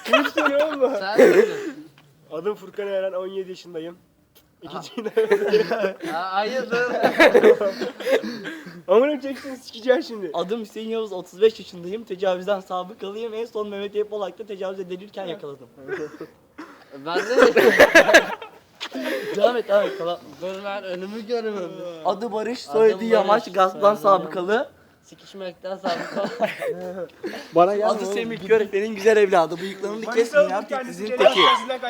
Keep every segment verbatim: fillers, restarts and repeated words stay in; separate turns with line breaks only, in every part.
Kim soruyor oğlum?
Sen söyle.
Adım Furkan Eren, on yedi yaşındayım. İkinci
Ha, hayırdır?
Amına çeksin sikeceğim şimdi.
Adım Hüseyin Yavuz, otuz beş yaşındayım. Tecavüzden sabıkalıyım. En son Mehmet Eyüp Olak'ta tecavüz edilirken yakaladım.
Ben de
Devam et, devam et. Tamam.
dur ben önümü görmüyorum.
Adı Barış,
Adım
soyadı
Barış,
Yamaç, gasptan
soyadı
sabıkalı.
Sikişmekten sabık.
Bana gel.
Adı Semih Körefe'nin güzel evladı. Bıyıklarını kesmeyen teknizin teki.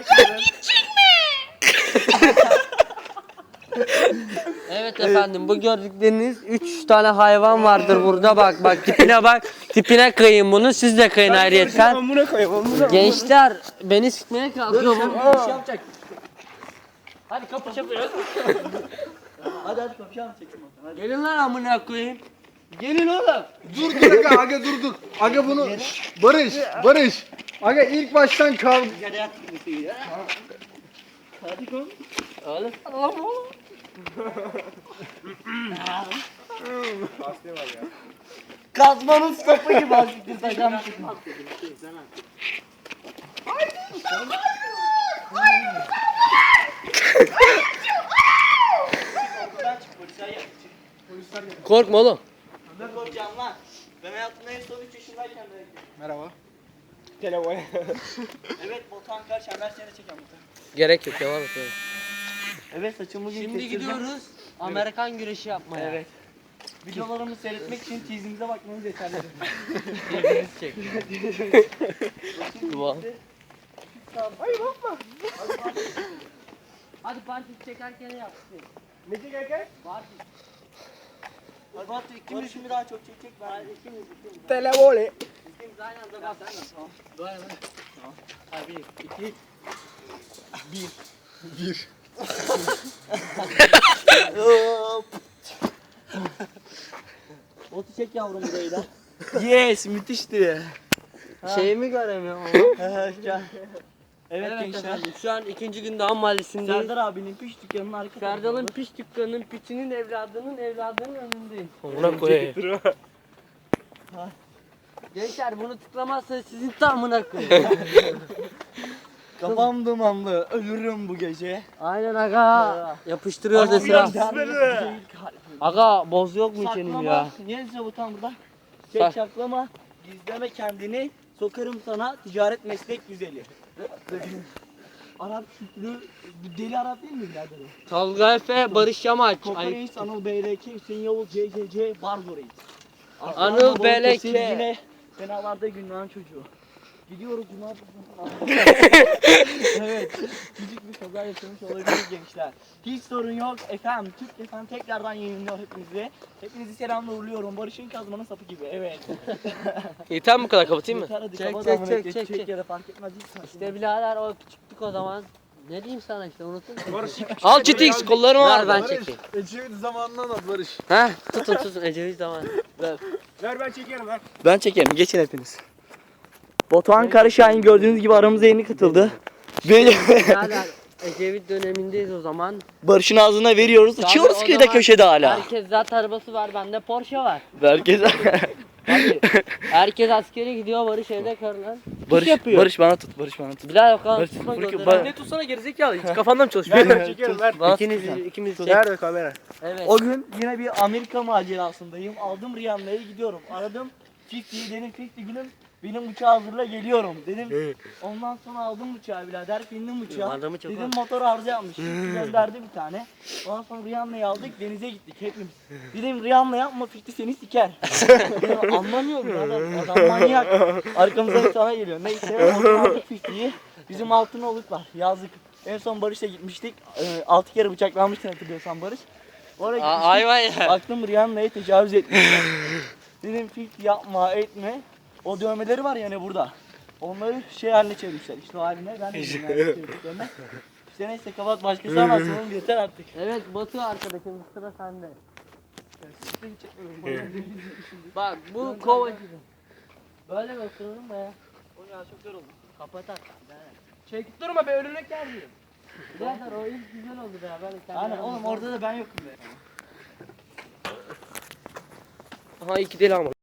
Evet efendim, bu gördükleriniz üç tane hayvan vardır burada, bak bak tipine bak, tipine kıyın bunu, siz de kıyın ayrıyetten.
Amına koyayım, amına.
Gençler beni sikmeye kalkıyor mu?
Bir şey yapacak. Hadi kapı çapıyoruz. Hadi hadi kapı çeksin bakalım. Hadi.
Gelin lan amına koyayım. Gelin oğlum.
Dur dur aga, aga dur dur. Aga bunu Barış, Barış. Aga ilk baştan kal.
Hadi yat. Hadi koy.
Oğlum.
Kazmanın sapı gibi azıcık takam çıkmaz.
Korkma oğlum.
Ne korkacağım lan? Ben hayatımda en son üç yaşındayken de.
Merhaba.
Telefon.
Evet, Botan karşı ben seni çeken Botan.
Gerek yok, devam et oğlum.
Evet, saçımı bugün
Şimdi
kestirdim.
gidiyoruz Amerikan güreşi yapmaya.
Evet. Videolarımı seyretmek için teaser'imize bakmanız yeterli.
Birbirinizi çek. Dua.
Hayır bakma.
Hadi parti çekerken yap.
Ne çekerken?
Parti.
Hadi Batu ikimiz şimdi daha çok çekecek ben. İkimiz ikimiz.
Telefon.
İkimiz aynı anda bak.
Tamam.
Dua et.
Hadi bir, iki, bir.
Bir.
Hop. Botu çek yavrum burayı da. Yes, müthişti.
Şeyimi göremiyorum ama.
Gel. Evet,
Evet
gençler.
efendim, şu an ikinci günde Han Mahallesi'ndeyiz.
Serdar abinin piş dükkanının arka
Serdal'ın
tarafında.
piç dükkanının piçinin evladının evladının önündeyim.
Ona koyayım.
Gençler bunu tıklamazsanız sizin tamına koyayım.
Kafam dumanlı, ölürüm bu gece.
Aynen aga. Yapıştırıyor da sıra. Aga boz yok mu içelim
Saklama.
ya?
Niye size bu tam burada?
Sak-
Çek saklama. Gizleme kendini. Sokarım sana ticaret meslek güzeli. Arap kültürü, bu deli Arap değil mi birader? o?
Tolga Efe, Barış Yamaç.
Koka
Ay,
Reis, Anıl B L K, Hüseyin Yavuz, C C C, Barzo Reis.
Anıl
Aslan
B L K.
Babalı, Yine fenalarda günahın çocuğu. Gidiyoruz cuma. Evet. Küçük bir kaza yaşamış olabiliriz gençler. Hiç sorun yok efendim. Türk efendim tekrardan yayınlıyor hepinizi. Hepinizi selamla uğurluyorum. Barış'ın kazmanın sapı gibi. Evet.
yeter mi bu kadar, kapatayım mı?
Yeter, hadi
Çek
kapat
çek
amına
çek
koyayım.
çek
Çek
çek.
ya da fark etmez. Hiç
İşte birader o küçüktük o zaman. Ne diyeyim sana işte, unuttun mu?
Barış.
Al Çitix, kollarımı
Ver,
ver ben
Barış,
çekeyim.
Ecevit zamanından at Barış.
Ha tutun tutun Ecevit zaman.
Ver ben çekerim ver.
Ben çekerim. Geçin hepiniz. Batuhan Karışahin gördüğünüz gibi aramıza yeni katıldı. Böyle
Birader Ecevit dönemindeyiz o zaman.
Barış'ın ağzına veriyoruz.
Tabii,
Uçuyoruz
o
kıyıda
zaman
köşede hala.
Herkes zat arabası var, bende Porsche var.
Herkes
Hadi. Herkes askere gidiyor, Barış evde karılan.
Barış,
yapıyor.
Barış bana tut. Barış bana tut.
Bilal bakalım
Barış,
tutma
Barış,
gözleri.
Barış.
Ne
tutsana gerizekalı. Hiç kafanda mı
Ver ben çekerim ver.
İkiniz, ikimiz çek.
Nerede kamera?
Evet.
O gün yine bir Amerika macerasındayım. Aldım Rihanna'ya gidiyorum. Aradım elliyi, dedim elli gülüm benim uçağı hazırla geliyorum dedim. Ondan sonra aldım uçağı birader, bindim uçağa.
Adamı çok
Dedim motor arıza yapmış. Gönderdi bir tane. Ondan sonra Rihanna'yı aldık, denize gittik hepimiz. Dedim Rihanna yapma, Fikri seni siker. Dedim, anlamıyorum ya adam, adam manyak. Arkamızdan bir sana geliyor. Neyse motor aldık Fikri'yi. Bizim Altınoluk var, yazlık. En son Barış'la gitmiştik. Ee, altı kere bıçaklanmıştın hatırlıyorsan Barış. Oraya
Aa,
gitmiştik.
ay vay ya.
Baktım Rihanna'ya tecavüz etmişler. Dedim Fikri yapma etme. O dövmeleri var yani burada. Onları şey haline çevirmişler. İşte o haline ben de bilmiyorum yani çevirdiklerini. İşte neyse kapat, başkası anlatsın oğlum, yeter artık.
Evet Batu arkadaşım, sıra sende. Bak bu kova gibi. Böyle mi oturur be?
O ya çok zor oldu.
Kapat artık.
Çek durma be, örnek yer diyorum.
Birader o ilk güzel oldu be. Böyle sen
Aynen oğlum, orada da ben yokum be.
Aha iki değil ama.